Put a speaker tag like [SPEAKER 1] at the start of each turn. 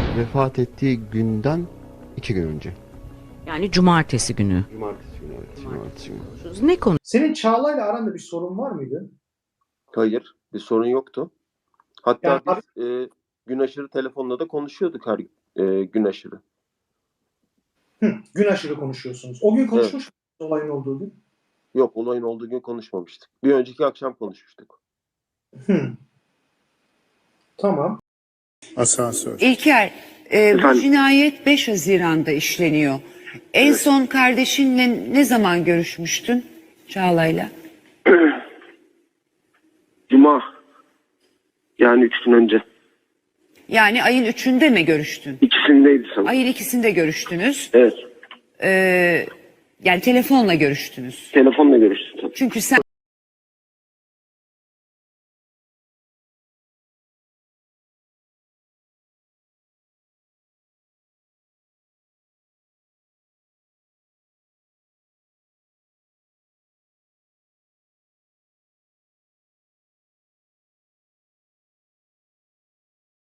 [SPEAKER 1] vefat ettiği günden 2 gün önce.
[SPEAKER 2] Yani cumartesi günü.
[SPEAKER 1] Cumartesi günü, evet. Cumartesi günü.
[SPEAKER 2] Ne konu?
[SPEAKER 3] Senin Çağla'yla aranda bir sorun var mıydı?
[SPEAKER 4] Hayır, bir sorun yoktu. Hatta
[SPEAKER 3] Yani
[SPEAKER 4] biz gün aşırı telefonla da konuşuyorduk her gün aşırı.
[SPEAKER 3] gün aşırı konuşuyorsunuz. O gün konuşmuş musunuz olayın olduğu gün?
[SPEAKER 4] Yok, olayın olduğu gün konuşmamıştık. Bir önceki akşam konuşmuştuk.
[SPEAKER 3] Hı. Tamam.
[SPEAKER 5] Asansör.
[SPEAKER 6] İlker, bu cinayet 5 Haziran'da işleniyor. En son kardeşinle ne zaman görüşmüştün Çağla'yla?
[SPEAKER 7] Cuma. Yani 3 gün önce.
[SPEAKER 6] Yani ayın 3'ünde mi görüştün?
[SPEAKER 7] İkisindeydi sanırım.
[SPEAKER 6] Ayın 2'sinde görüştünüz.
[SPEAKER 7] Evet.
[SPEAKER 6] Yani telefonla görüştünüz.
[SPEAKER 7] Telefonla görüştüm tabii.
[SPEAKER 6] Çünkü sen